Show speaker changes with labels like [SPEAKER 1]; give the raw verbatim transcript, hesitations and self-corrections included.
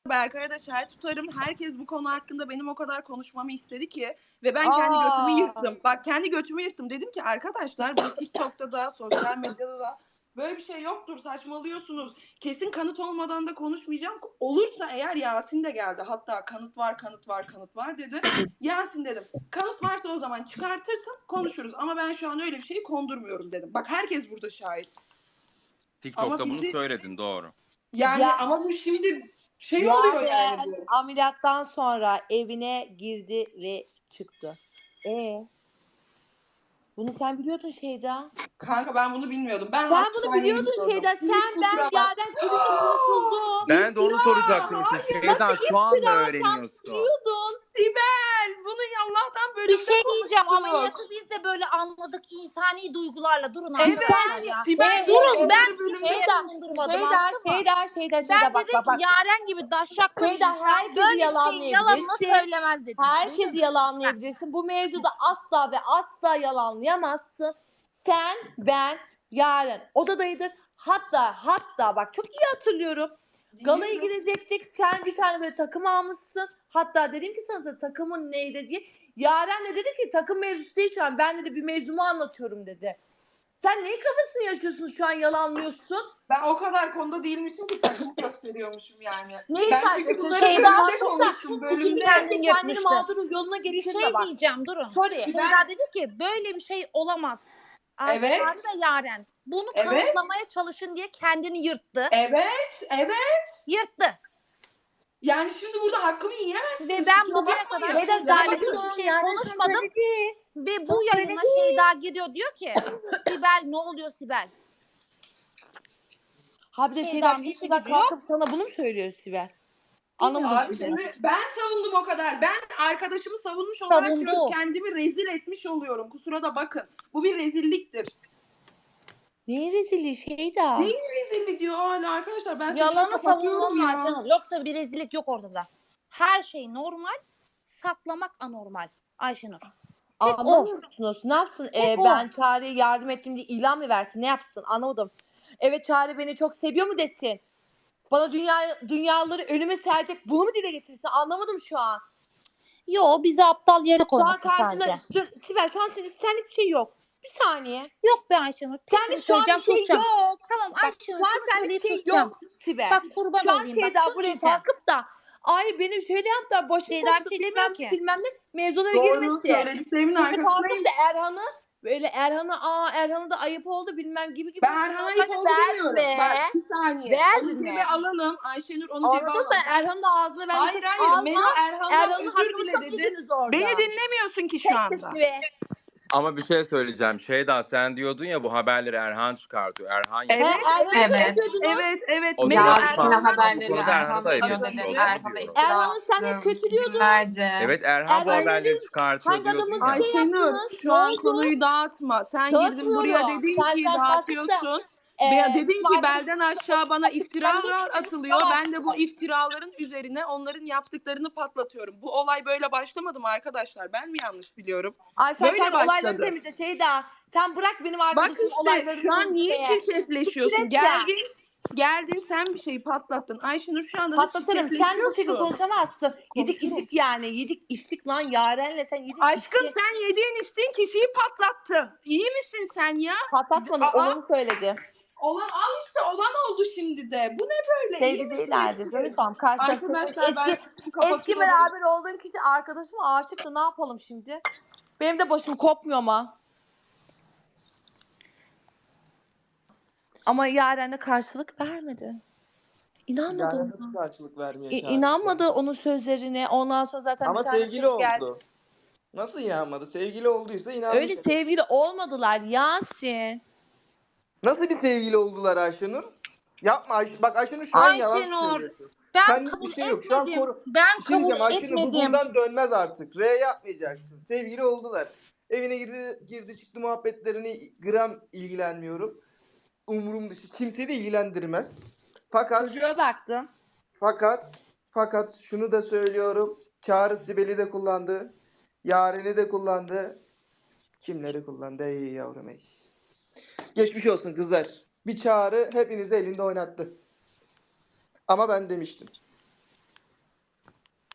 [SPEAKER 1] Berkay'a da şahit tutarım. Herkes bu konu hakkında benim o kadar konuşmamı istedi ki ve ben kendi götümü
[SPEAKER 2] Aa.
[SPEAKER 1] yırttım. Bak kendi götümü yırttım. Dedim ki arkadaşlar bu TikTok'ta da sosyal medyada da böyle bir şey yoktur, saçmalıyorsunuz. Kesin kanıt olmadan da konuşmayacağım. Olursa eğer Yasin de geldi. Hatta kanıt var, kanıt var, kanıt var dedi. Yasin dedim. Kanıt varsa o zaman çıkartırsın, konuşuruz. Ama ben şu an öyle bir şeyi kondurmuyorum dedim. Bak herkes burada şahit.
[SPEAKER 3] TikTok'ta bunu
[SPEAKER 1] bizi...
[SPEAKER 3] söyledin, doğru.
[SPEAKER 1] Yani
[SPEAKER 2] Ya,
[SPEAKER 1] ama bu şimdi şey Yaren oluyor yani bu.
[SPEAKER 2] Ameliyattan sonra evine girdi ve çıktı. E bunu sen biliyordun Şeyda.
[SPEAKER 1] Kanka ben bunu bilmiyordum. Ben
[SPEAKER 2] sen bunu biliyordun Şeyda. Sen ben Yaren kilise kurtuldu.
[SPEAKER 3] Ben de onu soracaktım işte. Şeyda şu an mı öğreniyorsun?
[SPEAKER 2] Sen biliyordun.
[SPEAKER 1] Sibel bunu Allah'tan böyle
[SPEAKER 4] bir şey diyeceğim. Ameliyatı biz de böyle anladık insani duygularla. Durun arkadaşlar
[SPEAKER 1] evet,
[SPEAKER 4] ya.
[SPEAKER 1] Sibel,
[SPEAKER 4] durun ben
[SPEAKER 2] kimseye bulundurmadım. Şeyda, Şeyda, Şeyda, Şeyda.
[SPEAKER 4] Ben
[SPEAKER 2] bak,
[SPEAKER 4] dedim
[SPEAKER 2] bak, bak.
[SPEAKER 4] ki Yaren gibi daşşaklı bir
[SPEAKER 2] Şeyda,
[SPEAKER 4] insan böyle bir şeyin yalanını söylemez dedim.
[SPEAKER 2] Herkes yalanlayabilirsin. Bu mevzuda asla ve asla yalanlayamazsın. Sen, ben, Yaren odadaydık. Hatta hatta bak çok iyi hatırlıyorum. Galaya girecektik. Sen bir tane böyle takım almışsın. Hatta dedim ki sana da takımın neydi diye. Yaren de dedi ki takım mevzusu değil şu an. Ben dedi bir mevzumu anlatıyorum dedi. Sen neyin kafasını yaşıyorsun şu an yalanlıyorsun?
[SPEAKER 1] Ben o kadar konuda değilmişim ki takım gösteriyormuşum yani.
[SPEAKER 2] Neyi
[SPEAKER 1] ben
[SPEAKER 2] saygısın?
[SPEAKER 1] bunları
[SPEAKER 4] Şeyda
[SPEAKER 1] bölümde konuştum bölümde.
[SPEAKER 4] kendin
[SPEAKER 2] Kendini mağdur yoluna
[SPEAKER 4] Bir
[SPEAKER 2] getirme
[SPEAKER 4] şey
[SPEAKER 2] bak.
[SPEAKER 4] diyeceğim durun.
[SPEAKER 2] Sorry.
[SPEAKER 4] Şeyda dedi ki böyle bir şey olamaz.
[SPEAKER 1] Evet.
[SPEAKER 4] Ayşe ve Yaren bunu
[SPEAKER 1] Evet.
[SPEAKER 4] kanıtlamaya çalışın diye kendini yırttı.
[SPEAKER 1] Evet, evet.
[SPEAKER 4] Yırttı.
[SPEAKER 1] Yani şimdi burada hakkımı yiyemezsiniz.
[SPEAKER 4] Ve ben
[SPEAKER 1] kusura
[SPEAKER 4] bugüne
[SPEAKER 1] bakmayın.
[SPEAKER 4] kadar
[SPEAKER 2] Şeyda,
[SPEAKER 4] Şeyda'yla
[SPEAKER 2] zaten
[SPEAKER 4] hiçbir şey
[SPEAKER 2] yani
[SPEAKER 4] konuşmadım.
[SPEAKER 2] söyledi.
[SPEAKER 4] Ve bu
[SPEAKER 2] Sana
[SPEAKER 4] yayına
[SPEAKER 2] söyledi.
[SPEAKER 4] Şeyda giriyor diyor ki Sibel ne oluyor Sibel?
[SPEAKER 2] Ha bir de
[SPEAKER 4] Şeyda'nın
[SPEAKER 2] Şeyda
[SPEAKER 4] işi
[SPEAKER 2] Şeyda
[SPEAKER 4] gücü yok.
[SPEAKER 2] kalkıp sana bunu mu söylüyor Sibel? Anlamadım
[SPEAKER 1] Abi
[SPEAKER 2] şimdi.
[SPEAKER 1] şimdi ben savundum o kadar. Ben arkadaşımı savunmuş olarak
[SPEAKER 4] Savundu.
[SPEAKER 1] diyorum, kendimi rezil etmiş oluyorum. Kusura da bakın. Bu bir rezilliktir.
[SPEAKER 2] Neyin rezilliği Şeyda?
[SPEAKER 1] Neyin rezilliği diyor hala arkadaşlar. Ben
[SPEAKER 4] Yalanı
[SPEAKER 1] sesimi kapatıyorum
[SPEAKER 4] savunmanın
[SPEAKER 1] ya.
[SPEAKER 4] Ayşenur. Yoksa bir rezillik yok ortada. Her şey normal. Saklamak anormal. Ayşenur. Tek o.
[SPEAKER 2] Anlamıyor musunuz? Ne yapsın? Ee,
[SPEAKER 4] Tek o.
[SPEAKER 2] ben Çağrı'ya yardım ettim diye ilan mı versin? Ne yapsın? Anlamadım. Evet Çağrı beni çok seviyor mu desin? Bana dünya dünyaları önüme serecek bunu mu dile getirsin? Anlamadım şu an.
[SPEAKER 4] Yo bizi aptal yere
[SPEAKER 2] Şu an
[SPEAKER 4] koyması
[SPEAKER 2] karşında
[SPEAKER 4] sadece.
[SPEAKER 2] dur Sibel şu an senin senlik bir şey yok. Bir saniye.
[SPEAKER 4] Yok be Ayşenur. Tek
[SPEAKER 2] Senlik
[SPEAKER 4] şunu
[SPEAKER 2] şu an bir
[SPEAKER 4] söyleyeceğim
[SPEAKER 2] şey
[SPEAKER 4] susacağım.
[SPEAKER 2] yok.
[SPEAKER 4] Tamam
[SPEAKER 2] Bak
[SPEAKER 4] Ayşenur
[SPEAKER 2] şu an
[SPEAKER 4] şunu
[SPEAKER 2] senlik
[SPEAKER 4] söyleyip
[SPEAKER 2] bir şey
[SPEAKER 4] susacağım.
[SPEAKER 2] yok Sibel.
[SPEAKER 4] Bak kurban
[SPEAKER 2] Şu an
[SPEAKER 4] olayım bak
[SPEAKER 2] Şeyda
[SPEAKER 4] şunu
[SPEAKER 2] buraya
[SPEAKER 4] diyeceğim.
[SPEAKER 2] kalkıp da ay benim şöyle yaptılar başım
[SPEAKER 4] Şeyda
[SPEAKER 2] koptu
[SPEAKER 4] bir şey
[SPEAKER 2] bilmem
[SPEAKER 4] demiyor
[SPEAKER 2] ne
[SPEAKER 4] ki.
[SPEAKER 2] bilmem ne mevzulara
[SPEAKER 1] Doğru,
[SPEAKER 2] girmesi.
[SPEAKER 1] söylediklerimin
[SPEAKER 2] Şimdi
[SPEAKER 1] arkasındayım.
[SPEAKER 2] kalkıp da Erhan'ı böyle Erhan'a aa Erhan'a da ayıp oldu bilmem gibi gibi.
[SPEAKER 1] Ben Erhan'a ayıp oldu demiyorum.
[SPEAKER 2] Verme.
[SPEAKER 1] Bak bir saniye.
[SPEAKER 2] Verme.
[SPEAKER 1] Onu cebe alalım. Ayşenur onu cebe
[SPEAKER 2] Anladın
[SPEAKER 1] alalım.
[SPEAKER 2] mı? Erhan'ın da ağzını ben
[SPEAKER 1] Hayır hayır.
[SPEAKER 2] alma.
[SPEAKER 1] Melo Erhan'dan
[SPEAKER 2] Erhan'ın
[SPEAKER 1] özür
[SPEAKER 2] hakkını
[SPEAKER 1] dile
[SPEAKER 2] çok
[SPEAKER 1] dedi.
[SPEAKER 2] yediniz orada.
[SPEAKER 1] Beni dinlemiyorsun ki şu
[SPEAKER 2] Tek
[SPEAKER 1] anda.
[SPEAKER 2] sesini be.
[SPEAKER 3] Ama bir şey söyleyeceğim. Şeyda sen diyordun ya bu haberleri Erhan çıkartıyor. Erhan
[SPEAKER 1] Evet,
[SPEAKER 3] yapıyor.
[SPEAKER 2] Erhan'ı
[SPEAKER 5] Evet.
[SPEAKER 2] söylüyordunuz.
[SPEAKER 1] Evet evet.
[SPEAKER 3] O
[SPEAKER 1] Melo
[SPEAKER 3] biraz
[SPEAKER 5] Yasin'e
[SPEAKER 3] farklı.
[SPEAKER 1] Erhan'dan
[SPEAKER 3] Bu
[SPEAKER 5] haberleri
[SPEAKER 3] konuda Erhan'a
[SPEAKER 5] Erhan
[SPEAKER 3] da ayıp
[SPEAKER 5] veriyor
[SPEAKER 3] etmiş
[SPEAKER 5] dedi.
[SPEAKER 3] olduğunu
[SPEAKER 5] Erhan'a
[SPEAKER 3] biliyorum.
[SPEAKER 5] iftira
[SPEAKER 2] Erhan'ı sen hep
[SPEAKER 5] attın
[SPEAKER 2] kötülüyordun.
[SPEAKER 5] günlerce.
[SPEAKER 3] Evet Erhan bu
[SPEAKER 2] Erhan'ın
[SPEAKER 3] haberleri çıkartıyor
[SPEAKER 2] hangi
[SPEAKER 3] diyordun
[SPEAKER 2] adamın
[SPEAKER 3] ya.
[SPEAKER 2] şey
[SPEAKER 1] Ayşenur
[SPEAKER 2] yaptınız?
[SPEAKER 1] şu
[SPEAKER 2] Ne
[SPEAKER 1] an
[SPEAKER 2] oldu?
[SPEAKER 1] konuyu dağıtma. Sen girdin buraya
[SPEAKER 2] Dağıtmıyorum.
[SPEAKER 1] dedin
[SPEAKER 2] Sen
[SPEAKER 1] ki
[SPEAKER 2] sen kalkıp da
[SPEAKER 1] dağıtıyorsun.
[SPEAKER 2] e,
[SPEAKER 1] Be- dedin
[SPEAKER 2] bizim
[SPEAKER 1] ki
[SPEAKER 2] arkadaşımız
[SPEAKER 1] belden aşağı bana iftiralar
[SPEAKER 2] Kendini
[SPEAKER 1] atılıyor.
[SPEAKER 2] iftira
[SPEAKER 1] Ben de bu iftiraların üzerine onların yaptıklarını patlatıyorum. Bu olay böyle başlamadı mı arkadaşlar? Ben mi yanlış biliyorum?
[SPEAKER 2] Ay sen,
[SPEAKER 1] Böyle
[SPEAKER 2] sen olayları
[SPEAKER 1] başladı.
[SPEAKER 2] temizle Şeyda. Sen bırak benim
[SPEAKER 1] Bak
[SPEAKER 2] arkadaşımın
[SPEAKER 1] işte
[SPEAKER 2] olaylarını
[SPEAKER 1] şu an niye
[SPEAKER 2] temizlemeye.
[SPEAKER 1] şirketleşiyorsun?
[SPEAKER 2] Siktir et
[SPEAKER 1] Geldin, geldin sen bir şeyi patlattın. Ayşenur şu anda da
[SPEAKER 2] Patlatırım. Sen bu şekilde
[SPEAKER 1] şirketleşiyorsun.
[SPEAKER 2] konuşamazsın. Yedik
[SPEAKER 1] Konuşurum.
[SPEAKER 2] içtik yani. Yedik içtik lan Yaren'le sen yedik
[SPEAKER 1] Aşkım
[SPEAKER 2] içtik.
[SPEAKER 1] sen yediğin içtiğin kişiyi patlattın. İyi misin sen ya?
[SPEAKER 2] Patlatmadım.
[SPEAKER 1] Aa,
[SPEAKER 2] Olanı söyledi.
[SPEAKER 1] olan al işte olan oldu şimdi de. Bu ne böyle? İyi
[SPEAKER 2] Sevgi
[SPEAKER 1] misiniz
[SPEAKER 2] değillerdi.
[SPEAKER 1] siz?
[SPEAKER 2] Canım tamam. Karşılaştık.
[SPEAKER 1] Arkadaşlar ben
[SPEAKER 2] Eski,
[SPEAKER 1] sesimi
[SPEAKER 2] eski
[SPEAKER 1] kapatıyorum.
[SPEAKER 2] beraber olduğun kişi arkadaşıma aşıktı. Ne yapalım şimdi? Benim de başım kopmuyor ama. Ama Yaren de karşılık vermedi. İnanmadı
[SPEAKER 6] Yani
[SPEAKER 2] ona.
[SPEAKER 6] nasıl karşılık vermiyor
[SPEAKER 2] İ-
[SPEAKER 6] Çağrı?
[SPEAKER 2] İnanmadı onun sözlerine. Ondan sonra zaten
[SPEAKER 6] Ama
[SPEAKER 2] bir tane
[SPEAKER 6] sevgili
[SPEAKER 2] şey geldi.
[SPEAKER 6] oldu. Nasıl inanmadı? Sevgili olduysa inanmış.
[SPEAKER 2] Öyle sevgili olmadılar Yasin.
[SPEAKER 6] Nasıl bir sevgili oldular Ayşenur? Yapma Ayş bak Ayşenur şu an yalan
[SPEAKER 4] Ayşenur
[SPEAKER 6] söylüyorsun.
[SPEAKER 4] ben
[SPEAKER 6] Senlik
[SPEAKER 4] kabul
[SPEAKER 6] bir şey yok. Şu an
[SPEAKER 4] etmedim.
[SPEAKER 6] koru...
[SPEAKER 4] Ben
[SPEAKER 6] Bir şey
[SPEAKER 4] kabul
[SPEAKER 6] diyeceğim Ayşenur bu
[SPEAKER 4] etmedim.
[SPEAKER 6] buradan dönmez artık. R yapmayacaksın. Sevgili oldular. Evine girdi girdi çıktı muhabbetlerini gram ilgilenmiyorum. Umurum dışı kimseyi de ilgilendirmez. Fakat
[SPEAKER 2] Çocuğa baktım.
[SPEAKER 6] Fakat fakat şunu da söylüyorum. Çağrı Sibel'i de kullandı. Yaren'i de kullandı. Kimleri kullandı ey yavrum ey. Geçmiş olsun kızlar. Bir Çağrı hepinizi elinde oynattı. Ama ben demiştim.